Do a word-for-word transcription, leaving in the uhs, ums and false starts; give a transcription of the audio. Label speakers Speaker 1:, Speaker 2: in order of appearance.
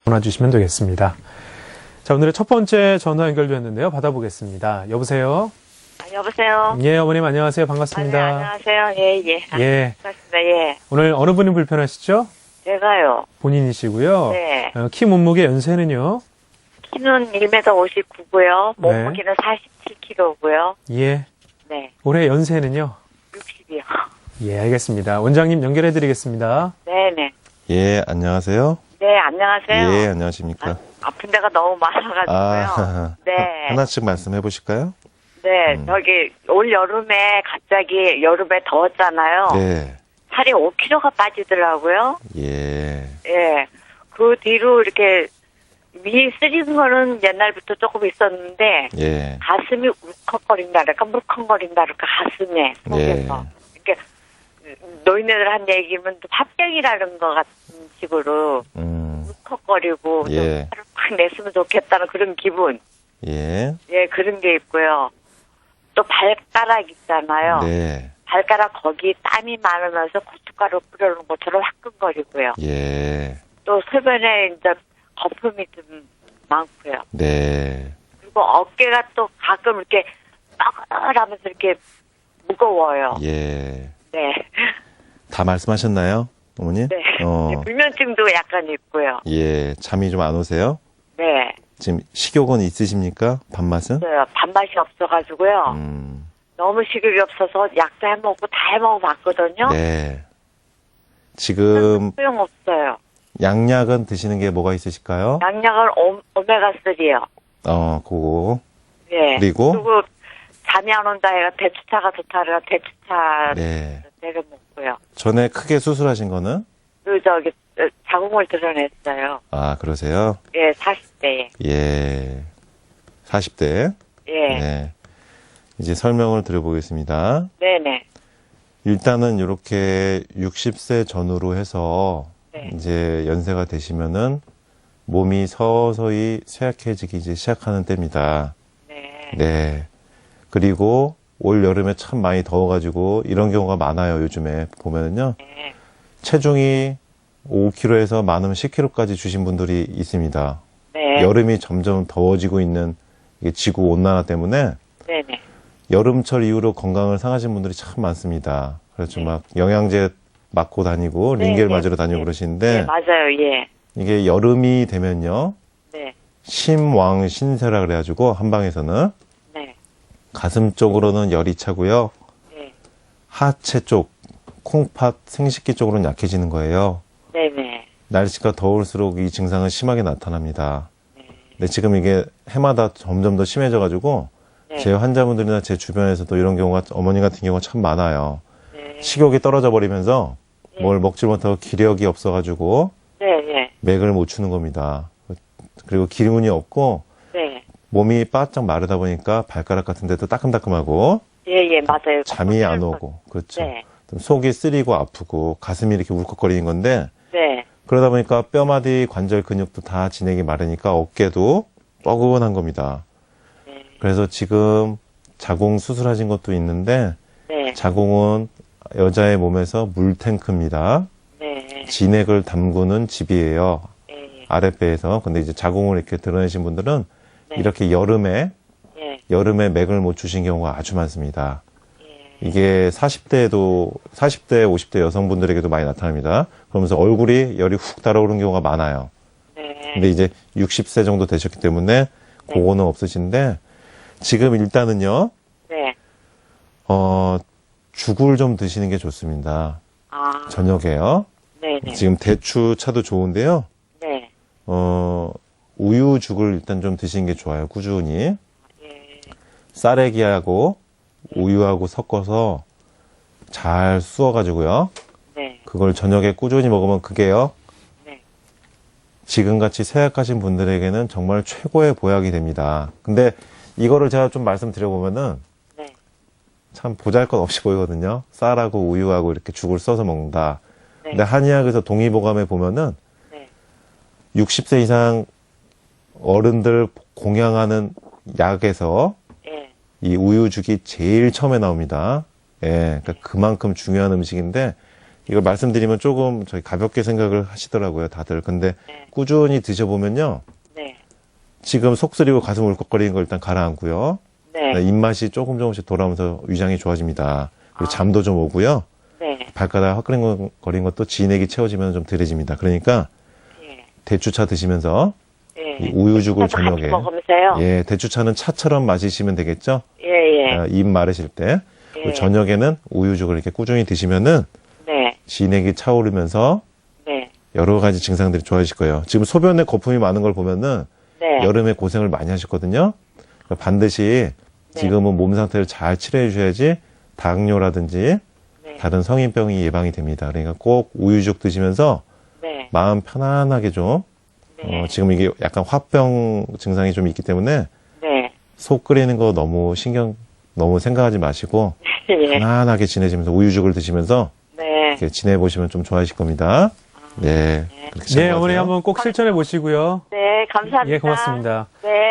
Speaker 1: 전화 주시면 되겠습니다. 자, 오늘의 첫 번째 전화 연결되었는데요. 받아보겠습니다. 여보세요?
Speaker 2: 아, 여보세요?
Speaker 1: 예, 어머님 안녕하세요. 반갑습니다.
Speaker 2: 아, 네, 안녕하세요. 예, 예.
Speaker 1: 예.
Speaker 2: 반갑습니다. 예.
Speaker 1: 오늘 어느 분이 불편하시죠?
Speaker 2: 제가요.
Speaker 1: 본인이시고요.
Speaker 2: 네.
Speaker 1: 어, 키 몸무게 연세는요?
Speaker 2: 키는 일 미터 오십구고요.
Speaker 1: 네.
Speaker 2: 몸무게는 사십칠 킬로그램고요.
Speaker 1: 예.
Speaker 2: 네.
Speaker 1: 올해 연세는요?
Speaker 2: 육십이요.
Speaker 1: 예, 알겠습니다. 원장님 연결해 드리겠습니다.
Speaker 2: 네네.
Speaker 3: 예, 안녕하세요.
Speaker 2: 네, 안녕하세요.
Speaker 3: 예, 안녕하십니까.
Speaker 2: 아, 아픈 데가 너무 많아가지고요.
Speaker 3: 아,
Speaker 2: 네.
Speaker 3: 하나씩 말씀해 보실까요?
Speaker 2: 네,
Speaker 3: 음.
Speaker 2: 저기, 올 여름에 갑자기 여름에 더웠잖아요.
Speaker 3: 네.
Speaker 2: 살이 오 킬로그램가 빠지더라고요.
Speaker 3: 예.
Speaker 2: 예. 그 뒤로 이렇게 미 쓰리는 거는 옛날부터 조금 있었는데,
Speaker 3: 예.
Speaker 2: 가슴이 울컥거린다랄까, 물컹거린다랄까, 가슴에, 속에서.
Speaker 3: 예.
Speaker 2: 이렇게, 노인네들 한 얘기면 화병이라는 것 같은 식으로,
Speaker 3: 음.
Speaker 2: 울컥거리고, 좀
Speaker 3: 예.
Speaker 2: 살을 확 냈으면 좋겠다는 그런 기분.
Speaker 3: 예.
Speaker 2: 예, 그런 게 있고요. 또 발가락 있잖아요.
Speaker 3: 네.
Speaker 2: 발가락 거기 땀이 많으면서 고춧가루 뿌려놓은 것처럼 화끈거리고요.
Speaker 3: 예.
Speaker 2: 또 소변에 이제 거품이 좀 많고요.
Speaker 3: 네.
Speaker 2: 그리고 어깨가 또 가끔 이렇게 빠글하면서 이렇게 무거워요.
Speaker 3: 예.
Speaker 2: 네.
Speaker 3: 다 말씀하셨나요, 어머니?
Speaker 2: 네.
Speaker 3: 어.
Speaker 2: 네, 불면증도 약간 있고요.
Speaker 3: 예. 잠이 좀 안 오세요?
Speaker 2: 네.
Speaker 3: 지금 식욕은 있으십니까? 밥맛은?
Speaker 2: 네, 밥맛이 없어가지고요.
Speaker 3: 음.
Speaker 2: 너무 식욕이 없어서 약도 해먹고 다 해먹어봤거든요.
Speaker 3: 네. 지금
Speaker 2: 소용없어요.
Speaker 3: 양약은 드시는 게 뭐가 있으실까요?
Speaker 2: 양약은 오, 오메가삼이요.
Speaker 3: 어, 그거.
Speaker 2: 네.
Speaker 3: 그리고?
Speaker 2: 그리고 잠이 안 온다 해가 대추차가 좋다 해가 대추차
Speaker 3: 네.
Speaker 2: 내려 먹고요.
Speaker 3: 전에 크게 수술하신 거는?
Speaker 2: 그 저기 어, 자궁을 드러냈어요.
Speaker 3: 아, 그러세요?
Speaker 2: 예, 사십 대에.
Speaker 3: 예. 사십 대.
Speaker 2: 예.
Speaker 3: 네. 이제 설명을 드려보겠습니다.
Speaker 2: 네네.
Speaker 3: 일단은 이렇게 육십 세 전후로 해서
Speaker 2: 네.
Speaker 3: 이제 연세가 되시면은 몸이 서서히 쇠약해지기 이제 시작하는 때입니다.
Speaker 2: 네.
Speaker 3: 네. 그리고 올 여름에 참 많이 더워가지고 이런 경우가 많아요. 요즘에 보면은요.
Speaker 2: 네.
Speaker 3: 체중이 오 킬로그램에서 많으면 십 킬로그램까지 주신 분들이 있습니다.
Speaker 2: 네.
Speaker 3: 여름이 점점 더워지고 있는 이게 지구 온난화 때문에
Speaker 2: 네네.
Speaker 3: 여름철 이후로 건강을 상하신 분들이 참 많습니다. 그래서 막 영양제 맞고 다니고
Speaker 2: 네,
Speaker 3: 링겔
Speaker 2: 네,
Speaker 3: 맞으러 다니고
Speaker 2: 네.
Speaker 3: 그러시는데
Speaker 2: 네, 맞아요. 예.
Speaker 3: 이게 여름이 되면요.
Speaker 2: 네.
Speaker 3: 심왕신세라 그래가지고 한방에서는
Speaker 2: 네.
Speaker 3: 가슴 쪽으로는 열이 차고요.
Speaker 2: 네.
Speaker 3: 하체 쪽, 콩팥, 생식기 쪽으로는 약해지는 거예요.
Speaker 2: 네네.
Speaker 3: 날씨가 더울수록 이 증상은 심하게 나타납니다.
Speaker 2: 네.
Speaker 3: 근데 지금 이게 해마다 점점 더 심해져가지고
Speaker 2: 네.
Speaker 3: 제 환자분들이나 제 주변에서도 이런 경우가 어머니 같은 경우가 참 많아요.
Speaker 2: 네.
Speaker 3: 식욕이 떨어져 버리면서
Speaker 2: 네.
Speaker 3: 뭘 먹지 못하고 기력이 없어가지고
Speaker 2: 네네.
Speaker 3: 맥을 못 추는 겁니다. 그리고 기운이 없고
Speaker 2: 네.
Speaker 3: 몸이 바짝 마르다 보니까 발가락 같은 데도 따끔따끔하고
Speaker 2: 예, 예, 맞아요.
Speaker 3: 잠이 안 오고 그렇죠.
Speaker 2: 네.
Speaker 3: 좀 속이 쓰리고 아프고 가슴이 이렇게 울컥거리는 건데
Speaker 2: 네.
Speaker 3: 그러다 보니까 뼈마디 관절 근육도 다 진행이 마르니까 어깨도 뻐근한 겁니다.
Speaker 2: 네.
Speaker 3: 그래서 지금 자궁 수술하신 것도 있는데
Speaker 2: 네.
Speaker 3: 자궁은 여자의 몸에서 물탱크입니다.
Speaker 2: 네.
Speaker 3: 진액을 담그는 집이에요.
Speaker 2: 예.
Speaker 3: 아랫배에서. 근데 이제 자궁을 이렇게 드러내신 분들은
Speaker 2: 네.
Speaker 3: 이렇게 여름에
Speaker 2: 예.
Speaker 3: 여름에 맥을 못 주신 경우가 아주 많습니다.
Speaker 2: 예.
Speaker 3: 이게 사십 대에도 사십 대, 오십 대 여성분들에게도 많이 나타납니다. 그러면서 얼굴이 열이 훅 달아오르는 경우가 많아요.
Speaker 2: 네.
Speaker 3: 근데 이제 육십 세 정도 되셨기 때문에 그거는 없으신데 지금 일단은요.
Speaker 2: 네.
Speaker 3: 어, 죽을 좀 드시는 게 좋습니다.
Speaker 2: 아.
Speaker 3: 저녁에요.
Speaker 2: 네네.
Speaker 3: 지금 대추 차도 좋은데요.
Speaker 2: 네.
Speaker 3: 어, 우유죽을 일단 좀 드시는 게 좋아요. 꾸준히.
Speaker 2: 예.
Speaker 3: 쌀에기하고 우유하고 섞어서 잘 쑤어가지고요.
Speaker 2: 네.
Speaker 3: 그걸 저녁에 꾸준히 먹으면 그게요.
Speaker 2: 네.
Speaker 3: 지금같이 쇠약하신 분들에게는 정말 최고의 보약이 됩니다. 근데 이거를 제가 좀 말씀드려보면은
Speaker 2: 네.
Speaker 3: 참 보잘것없이 보이거든요. 쌀하고 우유하고 이렇게 죽을 써서 먹는다.
Speaker 2: 네.
Speaker 3: 근데 한의학에서 동의보감에 보면은
Speaker 2: 네.
Speaker 3: 육십 세 이상 어른들 공양하는 약에서
Speaker 2: 예.
Speaker 3: 이 우유죽이 제일 처음에 나옵니다. 예, 그러니까 그만큼 중요한 음식인데 이걸 말씀드리면 조금 저희 가볍게 생각을 하시더라고요, 다들. 근데
Speaker 2: 네.
Speaker 3: 꾸준히 드셔보면요.
Speaker 2: 네.
Speaker 3: 지금 속 쓰리고 가슴 울컥거리는 걸 일단 가라앉고요.
Speaker 2: 네.
Speaker 3: 네, 입맛이 조금 조금씩 돌아오면서 위장이 좋아집니다. 그리고
Speaker 2: 아.
Speaker 3: 잠도 좀 오고요.
Speaker 2: 네.
Speaker 3: 발가락 화끈거리는 것도 진액이 채워지면 좀 덜해집니다. 그러니까
Speaker 2: 예.
Speaker 3: 대추차 드시면서
Speaker 2: 예.
Speaker 3: 이 우유죽을
Speaker 2: 같이
Speaker 3: 저녁에
Speaker 2: 먹으면서요.
Speaker 3: 예, 대추차는 차처럼 마시시면 되겠죠?
Speaker 2: 예, 예.
Speaker 3: 아, 입 마르실 때. 그리고
Speaker 2: 예.
Speaker 3: 저녁에는 우유죽을 이렇게 꾸준히 드시면은
Speaker 2: 네.
Speaker 3: 진액이 차오르면서
Speaker 2: 네.
Speaker 3: 여러 가지 증상들이 좋아지실 거예요. 지금 소변에 거품이 많은 걸 보면은
Speaker 2: 네.
Speaker 3: 여름에 고생을 많이 하셨거든요. 그러니까 반드시
Speaker 2: 네.
Speaker 3: 지금은 몸 상태를 잘 치료해 주셔야지 당뇨라든지
Speaker 2: 네.
Speaker 3: 다른 성인병이 예방이 됩니다. 그러니까 꼭 우유죽 드시면서
Speaker 2: 네.
Speaker 3: 마음 편안하게 좀
Speaker 2: 네.
Speaker 3: 어, 지금 이게 약간 화병 증상이 좀 있기 때문에
Speaker 2: 네.
Speaker 3: 속 끓이는 거 너무 신경 너무 생각하지 마시고
Speaker 2: 예.
Speaker 3: 편안하게 지내시면서 우유죽을 드시면서
Speaker 2: 네.
Speaker 3: 이렇게 지내보시면 좀 좋아하실 겁니다. 네. 그렇게
Speaker 1: 네,
Speaker 3: 생각하세요.
Speaker 1: 어머니 한번 꼭 실천해 보시고요.
Speaker 2: 네. 감사합니다.
Speaker 1: 예, 고맙습니다.
Speaker 2: 네.